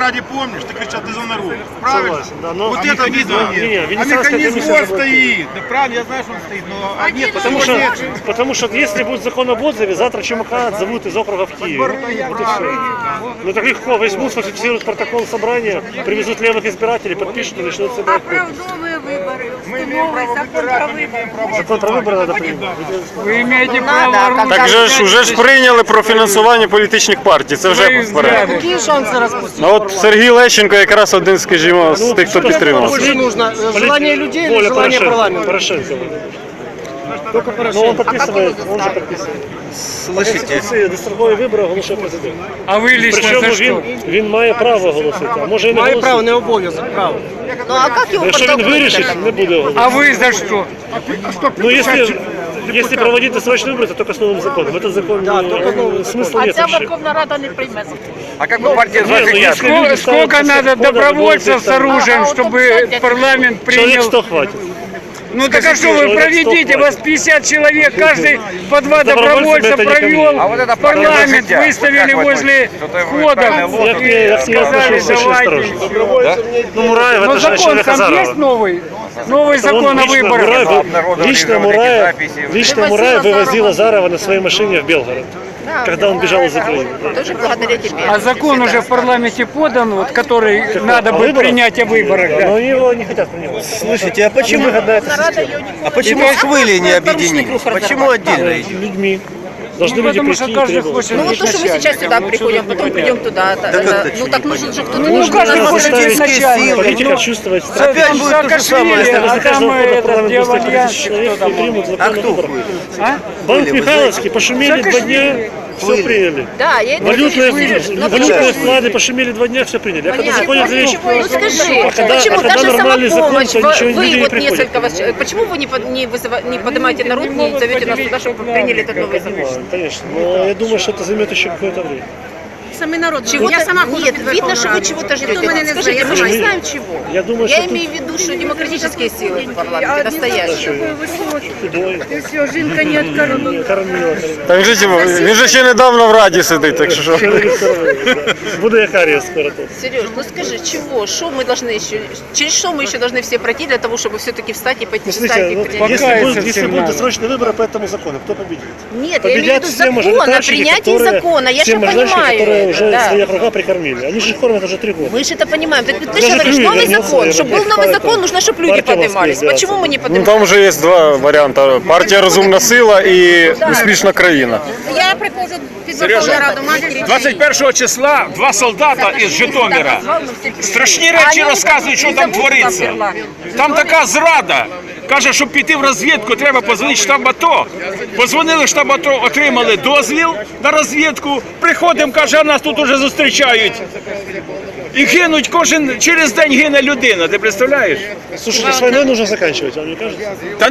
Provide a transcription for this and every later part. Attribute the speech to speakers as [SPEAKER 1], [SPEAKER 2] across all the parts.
[SPEAKER 1] ради помнишь, ты кричал, ты за народ. Правильно?
[SPEAKER 2] Согласен, да, но...
[SPEAKER 1] Вот это видно. А механизм вот стоит. Да правильно, я знаю, что он стоит, но нет,
[SPEAKER 2] Потому что если будет закон об отзыве, завтра Чумака отзовут из округа в Киев. Ну так легко, возьмут, сфальсифицируют протокол собрания, привезут левых избирателей, подпишут и начнут собирать.
[SPEAKER 3] Оправдовые выборы, новый закон про выборы.
[SPEAKER 2] Закон про выборы надо принять.
[SPEAKER 3] Вы имеете право.
[SPEAKER 4] Так же ж уже ж прийняли про фінансування політичних партій, це вже вперед.
[SPEAKER 5] Какие шансы распустить?
[SPEAKER 4] Ну от Сергій Лещенко якраз один, скажімо, з тих, хто підтримав.
[SPEAKER 5] Больше нужно желание людей или
[SPEAKER 2] Воля
[SPEAKER 5] желание
[SPEAKER 2] Порошенко.
[SPEAKER 5] парламента?
[SPEAKER 2] Порошенко.
[SPEAKER 5] Только
[SPEAKER 2] Но
[SPEAKER 5] Порошенко.
[SPEAKER 2] он подписывает, он же подписывает. Слышите? Дострокові вибори оголошує президент.
[SPEAKER 6] А ви лично
[SPEAKER 2] Причому
[SPEAKER 6] за що?
[SPEAKER 2] він має право оголосити, а може і не
[SPEAKER 5] Має право,
[SPEAKER 2] оголосити.
[SPEAKER 5] не обов'язок, право.
[SPEAKER 3] Ну а как его
[SPEAKER 2] Якщо він вирішить, не буде оголосити.
[SPEAKER 6] А ви за що?
[SPEAKER 2] Ну, если проводить досрочные выборы, то только с новым законом. Этот закон, смысла нет
[SPEAKER 3] Ця
[SPEAKER 2] вообще.
[SPEAKER 3] Верховна Рада не прийме.
[SPEAKER 7] А как бы партия
[SPEAKER 2] Не, ну, если люди станут
[SPEAKER 6] Сколько
[SPEAKER 2] после
[SPEAKER 6] надо
[SPEAKER 2] входа,
[SPEAKER 6] добровольцев
[SPEAKER 2] будет
[SPEAKER 6] с оружием, чтобы парламент
[SPEAKER 2] Человек
[SPEAKER 6] принял?
[SPEAKER 2] 100 хватит.
[SPEAKER 6] Ну так а что вы
[SPEAKER 2] человек
[SPEAKER 6] проведите,
[SPEAKER 2] 100
[SPEAKER 6] вас 50 человек, каждый по два
[SPEAKER 2] Добровольцем
[SPEAKER 6] добровольца
[SPEAKER 2] это не
[SPEAKER 6] провел,
[SPEAKER 2] ко мне.
[SPEAKER 7] А вот это
[SPEAKER 6] парламент
[SPEAKER 7] партия
[SPEAKER 6] выставили
[SPEAKER 7] как
[SPEAKER 6] возле
[SPEAKER 7] вот
[SPEAKER 6] входа
[SPEAKER 7] правильно, вот
[SPEAKER 6] и сказали
[SPEAKER 2] отношусь очень
[SPEAKER 6] давайте.
[SPEAKER 2] осторожно. Ну, Мураев,
[SPEAKER 6] Но
[SPEAKER 2] это же
[SPEAKER 6] закон
[SPEAKER 2] человек
[SPEAKER 6] там есть
[SPEAKER 2] Азарова.
[SPEAKER 6] новый? Новый закон о выборах.
[SPEAKER 4] Лично
[SPEAKER 2] Мураев вывозил Азарова на своей машине в Белгород, когда он бежал из Украины.
[SPEAKER 3] Тоже благодаря тебе.
[SPEAKER 6] А закон уже в парламенте подан, вот, который надо будет принять о выборах. Да.
[SPEAKER 2] Но его не хотят принимать.
[SPEAKER 5] Слушайте, а почему,
[SPEAKER 3] Почему
[SPEAKER 5] хвыли не объединились? Почему отдельно?
[SPEAKER 2] Людьми. Должны
[SPEAKER 6] Ну,
[SPEAKER 2] люди
[SPEAKER 6] потому что
[SPEAKER 2] прийти и
[SPEAKER 6] каждый
[SPEAKER 2] требовать.
[SPEAKER 6] хочет
[SPEAKER 3] Ну вот
[SPEAKER 6] быть
[SPEAKER 3] то, что мы
[SPEAKER 6] начальником.
[SPEAKER 3] сейчас сюда приходим, потом придем туда. Ну так нужен же кто-то.
[SPEAKER 6] Ну, каждый
[SPEAKER 2] Надо
[SPEAKER 6] хочет быть
[SPEAKER 2] заставить
[SPEAKER 6] начальником.
[SPEAKER 2] политиков чувствовать страх.
[SPEAKER 5] Опять будет то же самое.
[SPEAKER 2] Если
[SPEAKER 6] А
[SPEAKER 2] за
[SPEAKER 6] там
[SPEAKER 2] каждого входа в
[SPEAKER 6] этот
[SPEAKER 2] парламент будет 100
[SPEAKER 6] Девальян,
[SPEAKER 2] тысяч человек
[SPEAKER 6] кто
[SPEAKER 2] и
[SPEAKER 6] там?
[SPEAKER 2] примут закон о выборах.
[SPEAKER 6] А?
[SPEAKER 2] Банк Михайловский пошумели 2 дня, все приняли.
[SPEAKER 3] Да, я это
[SPEAKER 2] Валютные
[SPEAKER 3] вижу.
[SPEAKER 2] валютные вклады пошумели 2 дня, все приняли. А когда заходят за вещь,
[SPEAKER 3] Ну скажи,
[SPEAKER 2] когда
[SPEAKER 3] почему даже
[SPEAKER 2] нормальный закон,
[SPEAKER 3] самопомощь,
[SPEAKER 2] то ничего
[SPEAKER 3] вы
[SPEAKER 2] люди не
[SPEAKER 3] вот
[SPEAKER 2] приходят.
[SPEAKER 3] несколько, почему вы не поднимаете народ, не зовете нас туда, чтобы приняли этот новый закон?
[SPEAKER 2] Конечно, но я думаю, что это займет еще какое-то время.
[SPEAKER 3] Самый народ. Я сама нет, видно, что вы чего-то ждете. Скажите, мы же не знаем чего.
[SPEAKER 2] Я думаю,
[SPEAKER 3] Я
[SPEAKER 2] что тут
[SPEAKER 3] имею в виду, что демократические силы в парламенте настоящие.
[SPEAKER 2] худой,
[SPEAKER 3] Все, жінка не откормила.
[SPEAKER 2] кормила.
[SPEAKER 4] Так він же ще недавно в Раді сидить, так що.
[SPEAKER 2] Буду я кариес скоро тут.
[SPEAKER 3] Сереж, ну скажи, чего? Что мы должны еще, через что мы еще должны все пройти для того, чтобы все-таки встать и пойти встать
[SPEAKER 2] Смотрите,
[SPEAKER 3] и
[SPEAKER 2] вот
[SPEAKER 3] принять?
[SPEAKER 2] если будут досрочные выборы по этому закону, кто победит?
[SPEAKER 3] Нет, я имею в
[SPEAKER 2] Победят
[SPEAKER 3] виду
[SPEAKER 2] все
[SPEAKER 3] закона,
[SPEAKER 2] мажоритарщики,
[SPEAKER 3] принятие закона, я
[SPEAKER 2] все
[SPEAKER 3] же
[SPEAKER 2] мажоритарщики, которые
[SPEAKER 3] понимаю.
[SPEAKER 2] уже
[SPEAKER 3] Да.
[SPEAKER 2] свои округа прикормили. Они же кормят уже 3 года.
[SPEAKER 3] Мы же это понимаем. Ты
[SPEAKER 2] Даже
[SPEAKER 3] же говоришь,
[SPEAKER 2] Клюев
[SPEAKER 3] новый
[SPEAKER 2] вернулся,
[SPEAKER 3] закон.
[SPEAKER 2] и
[SPEAKER 3] Чтобы был
[SPEAKER 2] опять
[SPEAKER 3] новый
[SPEAKER 2] поэтому
[SPEAKER 3] закон, нужно, чтобы люди
[SPEAKER 2] партия
[SPEAKER 3] поднимались.
[SPEAKER 2] воспользовалась.
[SPEAKER 3] Почему мы не
[SPEAKER 4] Ну
[SPEAKER 3] поднимаемся?
[SPEAKER 4] там вже є два варіанти. Партія Розумна сила і успішна країна.
[SPEAKER 3] Я приходжу під Верховну Раду матері.
[SPEAKER 1] 21 числа 2 солдата із Житомира страшні речі розказують, що там твориться. Там така зрада. Каже, щоб піти в розвідку, треба позвонити в штаб АТО. Позвонили в штаб АТО, отримали дозвіл на розвідку. Приходимо, каже, а нас тут уже зустрічають. І гинуть, через день гине людина, ти представляєш?
[SPEAKER 2] Слушайте, с войной нужно заканчивать, вам не кажется?
[SPEAKER 1] Та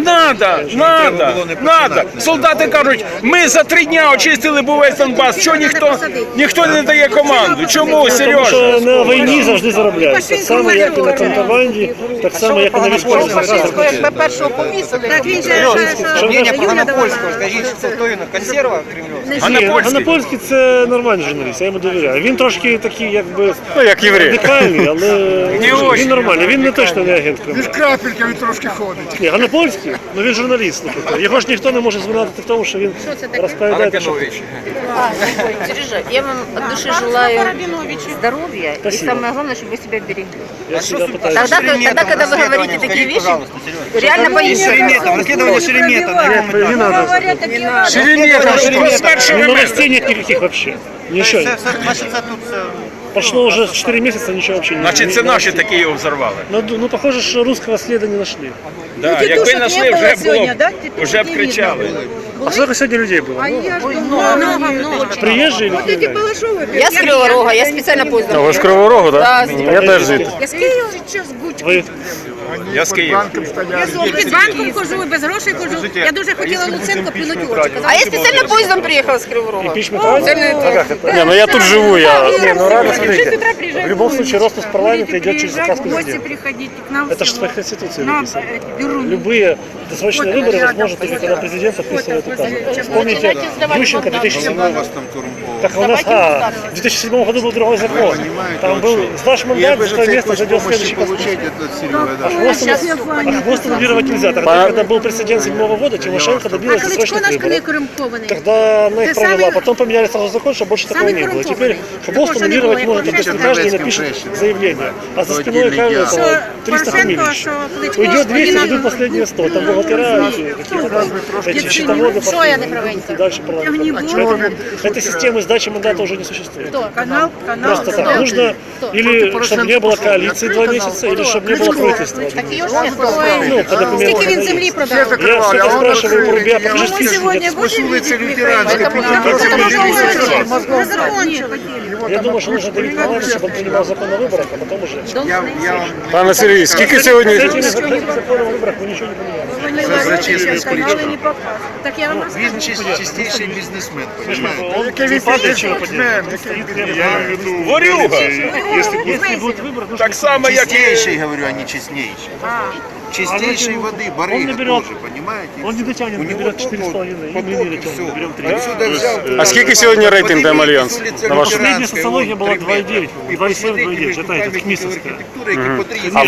[SPEAKER 1] надо. Солдати кажуть, ми за 3 дня очистили був весь Донбас, чого ніхто не дає команду? Чому,
[SPEAKER 2] Тому
[SPEAKER 1] Сережа?
[SPEAKER 2] що на війні завжди заробляють. Так само, як і на контрабанді, так само, як і на військовій.
[SPEAKER 3] Якби першого повісили. Так він же
[SPEAKER 5] Мнение по Ганапольскому, скажіть, що хто він? Консерва кремлівська?
[SPEAKER 2] Ганапольський – це нормальний журналіст, я йому довіряю. Він трошки такий, якби,
[SPEAKER 4] Ну, як єврей.
[SPEAKER 2] радикальний, але він нормальний. Він не точно не агент Кремля.
[SPEAKER 1] Крапелька трошки ходить.
[SPEAKER 2] Ні, Ганапольський, ну він журналіст. Слухайте. Його ж ніхто не може звинуватити в тому, що він розповідає, що
[SPEAKER 3] Сережа, я вам от души желаю здоровья. И самое главное, чтобы вы себя берегли.
[SPEAKER 2] я всегда пытаюсь.
[SPEAKER 3] Тогда, когда вы говорите такие вещи, реально боишься.
[SPEAKER 5] Расследование Шеремета.
[SPEAKER 2] Не надо.
[SPEAKER 6] Шеремета,
[SPEAKER 2] Новостей нет никаких вообще. Ничего. Прошло уже 4 месяца, ничего вообще не
[SPEAKER 1] Значить, це наші такі його взорвали.
[SPEAKER 2] Ну, похоже, что русского следа не нашли.
[SPEAKER 1] Да, якби знайшли, вже б кричали.
[SPEAKER 2] А сколько сегодня людей было?
[SPEAKER 3] Много.
[SPEAKER 2] Приезжие или криминальные?
[SPEAKER 3] Я с Кривого Рога, я специально поздно.
[SPEAKER 4] А ви з Кривого Рогу, так?
[SPEAKER 3] Да,
[SPEAKER 4] Я теж звідти.
[SPEAKER 2] Вы
[SPEAKER 1] Я з Києва.
[SPEAKER 7] І під банком хожу, і без грошей хожу. Я дуже хотіла Луценко плюнути в очі.
[SPEAKER 3] А я специально поездом приехала с Кривого Рога.
[SPEAKER 2] Импичмент правильно? А как это?
[SPEAKER 4] Не, ну я тут живу, я...
[SPEAKER 2] Не, ну реально, смотрите, в любом случае распуск парламента идет через заказ
[SPEAKER 7] В гости
[SPEAKER 2] президента.
[SPEAKER 7] приходите к нам.
[SPEAKER 2] Это же
[SPEAKER 7] всего.
[SPEAKER 2] в Конституции
[SPEAKER 7] Нам
[SPEAKER 2] написано.
[SPEAKER 7] беру.
[SPEAKER 2] Любые досрочные выборы возможны только когда президент подписывает указ. Вспомните Ющенко 2007 Так у нас, в 2007 году был другой закон. Там был, сдашь мандат, за твое место зайдет следующий хвост аннулировать нельзя. Тогда, когда был прецедент 2007 года, Тимошенко добилась
[SPEAKER 7] А Кличко
[SPEAKER 2] досрочных
[SPEAKER 7] наш коли
[SPEAKER 2] выборов.
[SPEAKER 7] корумпований.
[SPEAKER 2] Тогда она их
[SPEAKER 7] Ты
[SPEAKER 2] провела,
[SPEAKER 7] самый-
[SPEAKER 2] потом поменяли сразу закон, чтобы больше такого
[SPEAKER 7] самый
[SPEAKER 2] не было.
[SPEAKER 7] коррумпованный.
[SPEAKER 2] Теперь хвост
[SPEAKER 7] Такого
[SPEAKER 2] аннулировать
[SPEAKER 7] не было,
[SPEAKER 2] можно,
[SPEAKER 7] я
[SPEAKER 2] если
[SPEAKER 7] помню,
[SPEAKER 2] каждый напишет заявление. А за спиной каждого
[SPEAKER 7] Що
[SPEAKER 2] 300 фамилий.
[SPEAKER 7] Порошенко, що Кличко,
[SPEAKER 2] Уйдет 200,
[SPEAKER 7] він
[SPEAKER 2] уйдут последние 100. Там бухгалтера, эти счетоводы,
[SPEAKER 7] Що я неправильно?
[SPEAKER 2] и дальше парламент. Поэтому этой системы сдачи мандата уже не существует.
[SPEAKER 7] Канал.
[SPEAKER 2] Просто так. Нужно или чтобы не было коалиции 2 месяца, или чтобы не было правительства. Ну, по документам.
[SPEAKER 7] Скільки він землі продав?
[SPEAKER 2] Я всегда спрашиваю у Рубя, покажи
[SPEAKER 7] Ми
[SPEAKER 2] список.
[SPEAKER 7] сьогодні будемо
[SPEAKER 2] Я думаю, что нужно давить парламент, чтобы он принимал закон о выборах, а потом уже.
[SPEAKER 4] Пане Сергій, скільки сьогодні...
[SPEAKER 2] С этими законом о выборах мы ничего не поменяем.
[SPEAKER 7] Так я вам
[SPEAKER 8] Він чистейший бізнесмен,
[SPEAKER 2] Он не падает, чего поднимает.
[SPEAKER 1] Ворюга!
[SPEAKER 2] Если будет выбор, нужно...
[SPEAKER 1] Так само, як і...
[SPEAKER 8] Чистейший, говорю, а не честнейший. Чистейшей воды,
[SPEAKER 2] Он
[SPEAKER 8] барыга
[SPEAKER 2] наберет,
[SPEAKER 8] тоже, понимаете?
[SPEAKER 2] он не дотянет,
[SPEAKER 8] У него
[SPEAKER 2] наберет
[SPEAKER 8] тут
[SPEAKER 2] 4,5, и мы не дотянем, наберем 3.
[SPEAKER 8] Отсюда взял.
[SPEAKER 4] А скільки сьогодні рейтинг Демальянс? На ваш...
[SPEAKER 2] Последняя социология была 2,9, 2,7-2,9, это эта Кмисовская.
[SPEAKER 4] А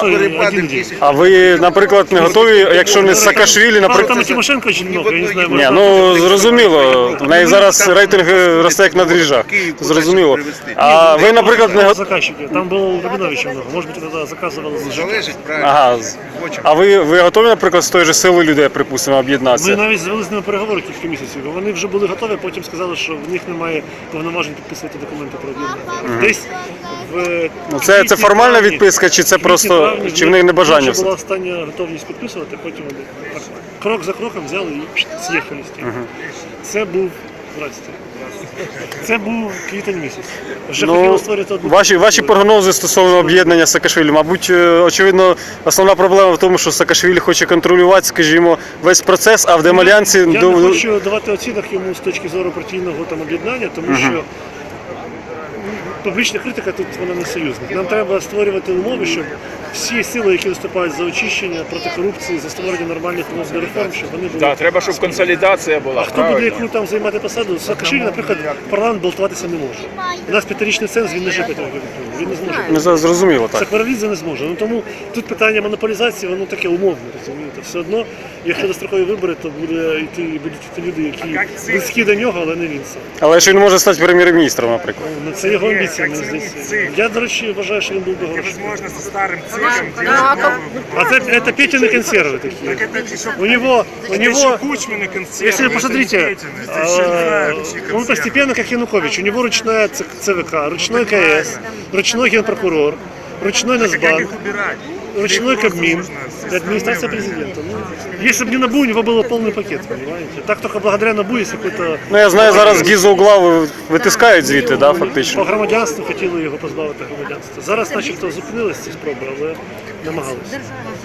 [SPEAKER 4] ви, наприклад, не готові, якщо не Саакашвілі,
[SPEAKER 2] Правда, там
[SPEAKER 4] наприклад...
[SPEAKER 2] и Тимошенко очень много, я не знаю.
[SPEAKER 4] Ні, ну зрозуміло, в неї зараз рейтинг росте як на дріжджах, зрозуміло. А ви, наприклад, не готові...
[SPEAKER 2] Заказчики, там был Рабинович много, может быть, тогда заказывал.
[SPEAKER 8] Залежить, правильно.
[SPEAKER 4] Ага. А ви готові, наприклад, з тої ж сили людей, припустимо,
[SPEAKER 2] Ми
[SPEAKER 4] об'єднатися?
[SPEAKER 2] навіть звели з ними переговори кілька місяців. Вони вже були готові, потім сказали, що в них немає повноважень підписувати документи про об'єднання. Десь в
[SPEAKER 4] Ну, це формальна відписка, чи це просто, чи в них не бажання
[SPEAKER 2] Це була
[SPEAKER 4] все?
[SPEAKER 2] остання готовність підписувати, потім вони так, крок за кроком взяли і з'їхали з тим. Це був, здрасте, це був квітень місяць. Вже хотіли
[SPEAKER 4] Ну,
[SPEAKER 2] створити одну...
[SPEAKER 4] ваші прогнози стосовно об'єднання з Саакашвілі, мабуть, очевидно, основна проблема в тому, що Саакашвілі хоче контролювати, скажімо, весь процес, а в Демальянсі...
[SPEAKER 2] Я не хочу давати оцінок йому з точки зору партійного там об'єднання, тому що публічна критика тут вона не союзник. Нам треба створювати умови, щоб всі сили, які виступають за очищення, проти корупції, за створення нормальних умов для реформ, щоб вони були.
[SPEAKER 1] Так, треба, щоб консолідація була.
[SPEAKER 2] А хто буде
[SPEAKER 1] правильно.
[SPEAKER 2] яку там займати посаду? Саакашвілі, наприклад, в парламент балотуватися не може. У нас 5-річний ценз, він не живе 5 років. Він не зможе.
[SPEAKER 4] Ну, зрозуміло, так.
[SPEAKER 2] Сакварелідзе не зможе. Ну тому тут питання монополізації, воно таке умовне, розумієте. Все одно, якщо дострокові вибори, то будуть йти люди, які близькі до нього, але не він сам.
[SPEAKER 4] Але що він може стати прем'єр-міністром, наприклад?
[SPEAKER 2] Ну, це його амбіція, мені здається. Я, до речі, вважаю, що він був би хороший. А это Петины консервы такие. У него, если вы посмотрите, он постепенно как Янукович. У него ручная ЦВК, ручной КС, ручной генпрокурор, ручной Нацбанк, ручной Кабмин, администрация президента. Ну, если бы не НАБУ, у него был полный пакет, понимаете? Так только благодаря НАБУ есть какой-то...
[SPEAKER 4] Ну, я знаю, зараз Гізо угла витискають звідти, да, фактично.
[SPEAKER 2] По громадянству хотіли його позбавити громадянства. Зараз начебто зупинилися ці спроби, але намагалися.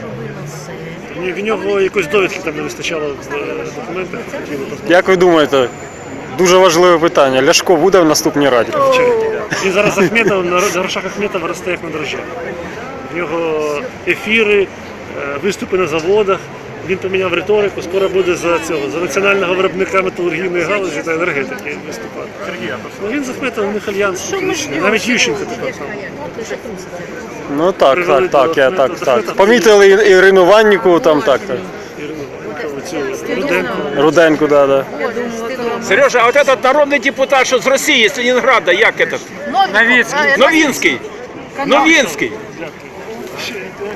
[SPEAKER 2] В нього якоїсь довідки там не вистачало в документах, хотіли позбавити.
[SPEAKER 4] Як ви думаєте, дуже важливе питання, Ляшко буде в наступній раді?
[SPEAKER 2] Він зараз Ахметов, на грошах Ахметова росте як на дрожжах. В нього ефіри, виступи на заводах. Він поміняв риторику, скоро буде за національного виробника металургійної галузі та енергетики виступати. Ну, він з Ахметовим у них альянс фактичний. Навіть Ющенко тепер там.
[SPEAKER 4] Ну так, я так. Помітили Ірину Ванніку, там так. Руденко, да.
[SPEAKER 1] Сережа, а от этот народний депутат, що з Росії, з Ленінграда, як этот?
[SPEAKER 6] Новицкий.
[SPEAKER 1] Новинський. Новинський.